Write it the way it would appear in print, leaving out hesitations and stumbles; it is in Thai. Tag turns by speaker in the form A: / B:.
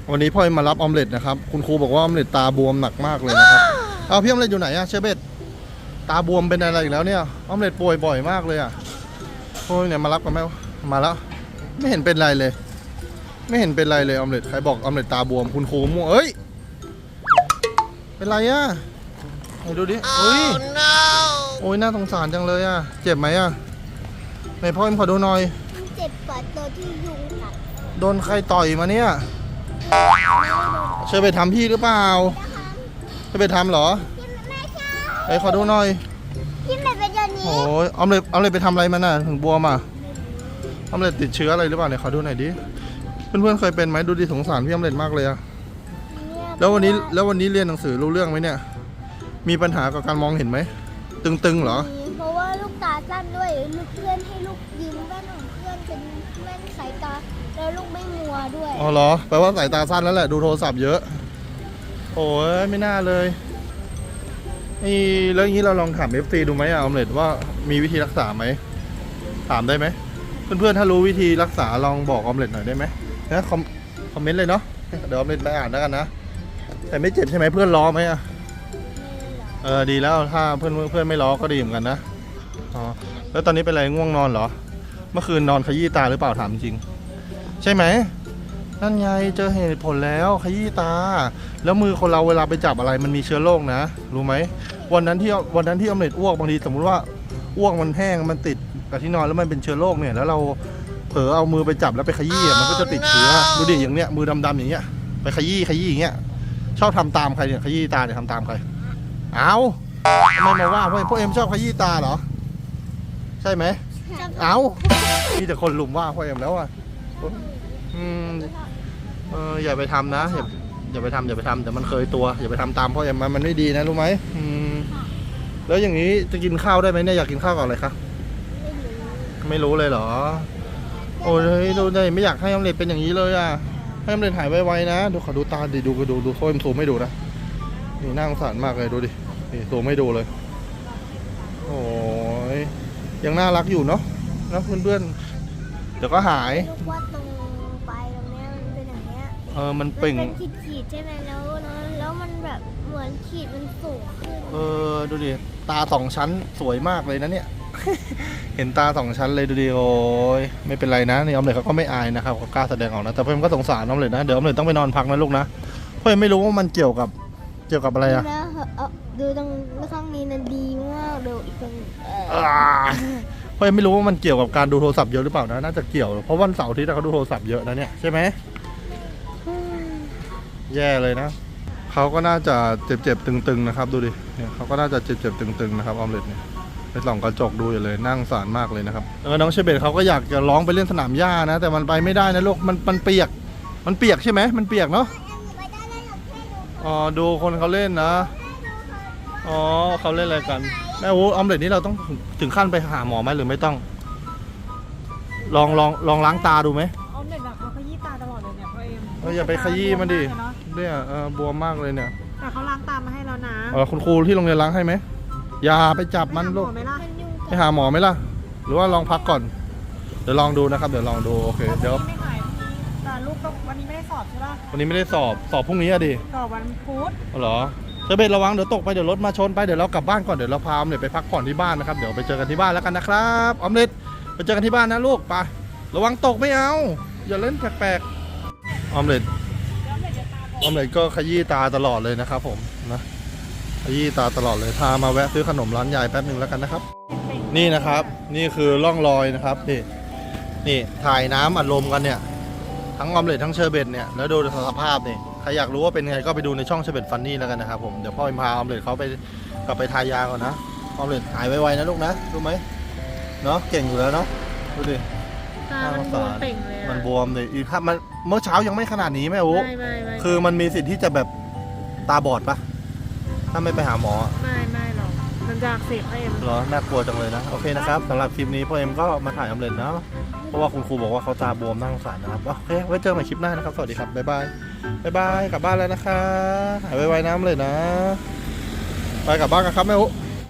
A: วันนี้พ่อมารับออมเล็ตนะครับคุณครูบอกว่าออมเล็ตตาบวมหนักมากเลยนะครับเอาพี่ออมเล็ตอยู่ไหนอะเชเบตตาบวมเป็นอะไรอีกแล้วเนี่ยออมเล็ตป่วยบ่อยมากเลยอะโอ้ยเนี่ยมารับกันไหมมาแล้วไม่เห็นเป็นไรเลยไม่เห็นเป็นไรเลยออมเล็ตใครบอกออมเล็ตตาบวมคุณครูมั่วเอ้ยเป็นไรอะไหนดูดิโอ้ยโอ้ยน่าสงสารจังเลยอะเจ็บไหมอะไหนพ่อขอดูหน่อย
B: เจ็บปวดตัวที่ยุงกัด
A: โดนใครต่อยมาเนี่ยเชอไปทำพี่หรือเปล่าเชอไปทำเหรอไอ้ขอดูหน่อย
B: ที่ไหนเป็นอย่างนี้
A: โอ้ยออมเล็ตไปทำอะไรมาน่ะถึงบวมอ่ะออมเล็ตติดเชื้ออะไรหรือเปล่าเนี่ยขอดูหน่อยดิเพื่อนๆเคยเป็นไหมดูดิสงสารพี่ออมเล็ตมากเลยอะแล้ววันนี้เรียนหนังสือรู้เรื่องไหมเนี่ยมีปัญหากับการมองเห็นไหมตึงๆเหรอ
B: เพราะว่าลูกตาสั้นด้วยลูกเพื่อนให้ลูกยืมแว่นของเพื่อนเป็นแว่นสายตาแล้วลูกไม่มัวด้วย
A: อ๋อเหรอแปลว่าสายตาสั้นแล้วแหละดูโทรศัพท์เยอะโอ้ยไม่น่าเลยนี่แล้วอย่างนี้เราลองถาม FC ดูไหมอะออมเล็ตว่ามีวิธีรักษาไหมถามได้ไหมเพื่อนๆถ้ารู้วิธีรักษาลองบอกออมเล็ตหน่อยได้ไหมนะคอมเมนต์เลยเนาะเดี๋ยวออมเล็ตไปอ่านแล้วกันนะแต่ไม่เจ็บใช่ไหมเพื่อนล้อไหมอะดีแล้วถ้าเพื่อนไม่ล้อก็ดีเหมือนกันนะอ๋อแล้วตอนนี้เป็นอะไรง่วงนอนเหรอเมื่อคืนนอนขยี้ตาหรือเปล่าถามจริงใช่ไหมนั่นไงเจอเหตุผลแล้วขยี้ตาแล้วมือคนเราเวลาไปจับอะไรมันมีเชื้อโรคนะรู้ไหมวันนั้นที่ออมเล็ตอ้วกบางทีสมมุติว่าอ้วกมันแห้งมันติดกับที่นอนแล้วมันเป็นเชื้อโรคเนี่ยแล้วเราเผลอเอามือไปจับแล้วไปขยี้มันก็จะติดเชื้อดูดิอย่างเนี้ยมือดำๆอย่างเงี้ยไปขยี้อย่างเงี้ยชอบทำตามใครเนี่ยขยี้ตาเนี่ยทำตามใครเอาทำไมมาว่าพวกเอ็มชอบขยี้ตาเหรอใช่ไหมเอามีแต่คนลุมว่าพวกเอ็มแล้วอ่ะอย่าไปทำนะอย่าไปทำแต่มันเคยตัวอย่าไปทำตามพ่อเอ็มมันไม่ดีนะรู้ไหมแล้วอย่างนี้จะกินข้าวได้ไหมเนี่ยอยากกินข้าวกับอะไรคะไม่รู้เลยเหรอโอ้ยดูได้ไม่อยากให้ออมเล็ตเป็นอย่างนี้เลยอ่ะให้ออมเล็ตหายไวๆนะดูขอดูตาดิดูโซ่เอ็มซูมไม่ดูนะนี่น่าสงสารมากเลยดูดินี่ซูมไม่ดูเลยโอ้ยยังน่ารักอยู่เนาะนะเพื่อนๆเดี๋ยวก็หาย
B: ว่าตรงปลายตรงเนี้ยมันเป็นอย่างเนี้ย
A: มันเป่ง
B: ขีดใช่ไหมแล้วมันแบบเหมือนขีดมันสูงขึ้น
A: ดูดิตาสองชั้นสวยมากเลยนะเนี่ย เห็นตาสองชั้นเลยดูดิโอ้ยไม่เป็นไรนะนี่ออมเล็ตเขาก็ไม่อายนะครับเขากล้าแสดงออกนะแต่เพื่อนก็สงสารออมเล็ตนะเดี๋ยวออมเล็ตต้องไปนอนพักนะลูกนะเพื่อนไม่รู้ว่ามันเกี่ยวกับอะไรอะ
B: ดูตรงข้างนี้นะดีมากดูอีกตรง
A: เพื่อนไม่รู้ว่ามันเกี่ยวกับการดูโทรศัพท์เยอะหรือเปล่านะน่าจะเกี่ยวเพราะวันเสาร์ที่เขาดูโทรศัพท์เยอะนะเนี่ยใช่ไหมแย่เลยนะเขาก็น่าจะเจ็บตึงๆนะครับดูดิเนี่ยเขาก็น่าจะเจ็บตึงๆนะครับออมเล็ตเนี่ยไปส่องกระจกดูอยู่เลยนั่งสารมากเลยนะครับน้องเชเบตเขาก็อยากจะร้องไปเล่นสนามหญ้านะแต่มันไปไม่ได้นะลูกมันเปียกใช่ไหมมันเปียกเนาะอ๋อดูคนเขาเล่นนะอ๋อเขาเล่นอะไรกันแม่โอ้ออมเล็ตนี่เราต้องถึงขั้นไปหาหมอไหมหรือไม่ต้องลองล้างตาดูไหม
C: ออมเล็ตแบบเขาขยี้ตาตลอดเลยเนี่ยพ่อเอ็ม
A: อย่าไปขยี้มันดิเนี่ยบวมมากเลยเนี่ย
C: แต่เขาล้างตามาให้แล้วนะ
A: คุณครูที่โรงเรียนล้างให้ไหมอย่าไปจับมันลูกไปหาหมอไหมล่ะหรือว่าลองพักก่อนเดี๋ยวลองดูนะครับเดี๋ยวลองดูโอเคเดี๋ยว
C: ไม่หายแต่ลูกก็วันนี้ไม่ได้สอบใช่ป่ะ
A: วันนี้ไม่ได้สอบพรุ่งนี้อะดิ
C: สอบวันพุธ
A: เหรอเชเบตระวังเดี๋ยวตกไปเดี๋ยวรถมาชนไปเดี๋ยวเรากลับบ้านก่อนเดี๋ยวเราพาออมเล็ตไปพักผ่อนที่บ้านนะครับเดี๋ยวไปเจอกันที่บ้านแล้วกันนะครับออมเล็ตไปเจอกันที่บ้านนะลูกไประวังตกไม่เอาอย่าเล่นแปลกๆออมเล็ตก็ขยี้ตาตลอดเลยนะครับผมนะขยี้ตาตลอดเลยพามาแวะซื้อขนมร้านยายแป๊บหนึ่งแล้วกันนะครับนี่นะครับนี่คือร่องรอยนะครับนี่ถ่ายน้ำอัดลมกันเนี่ยทั้งออมเล็ตทั้งเชอร์เบตเนี่ยแล้วดูสภาพนี่ใครอยากรู้ว่าเป็นไงก็ไปดูในช่องเชอร์เบตฟันนี่แล้วกันนะครับผมเดี๋ยวพ่อพาออมเล็ตเขาไปกลับไปทายาก่อนนะออมเล็ตหายไวๆนะลูกนะรู้ไหมเนาะเก่งอยู่แล้วเนาะดูดิ
C: ตามันบวมเป่งเลย
A: มันบวมเลยอีกครับมันเมื่อเช้ายังไม่ขนาดนี้แม่โอ้
C: ไม่
A: คือมันมีสิทธิ์ที่จะแบบตาบอดปะถ้าไม่ไปหาหมอ
C: ไม่หรอกมันจะอักเสบพ่อเอ็ม
A: เหรอน่ากลัวจังเลยนะโอเคนะครับสำหรับคลิปนี้พ่อเอ็มก็มาถ่ายออมเล็ตนะเพราะว่าคุณครูบอกว่าเขาตาบวมน่าสงสารนะครับโอเคไว้เจอกันใหม่คลิปหน้านะครับสวัสดีครับบ๊ายบายกลับบ้านแล้วนะคะหายไวๆน้ำเลยนะไปกลับบ้านกันครับแม่อุ๊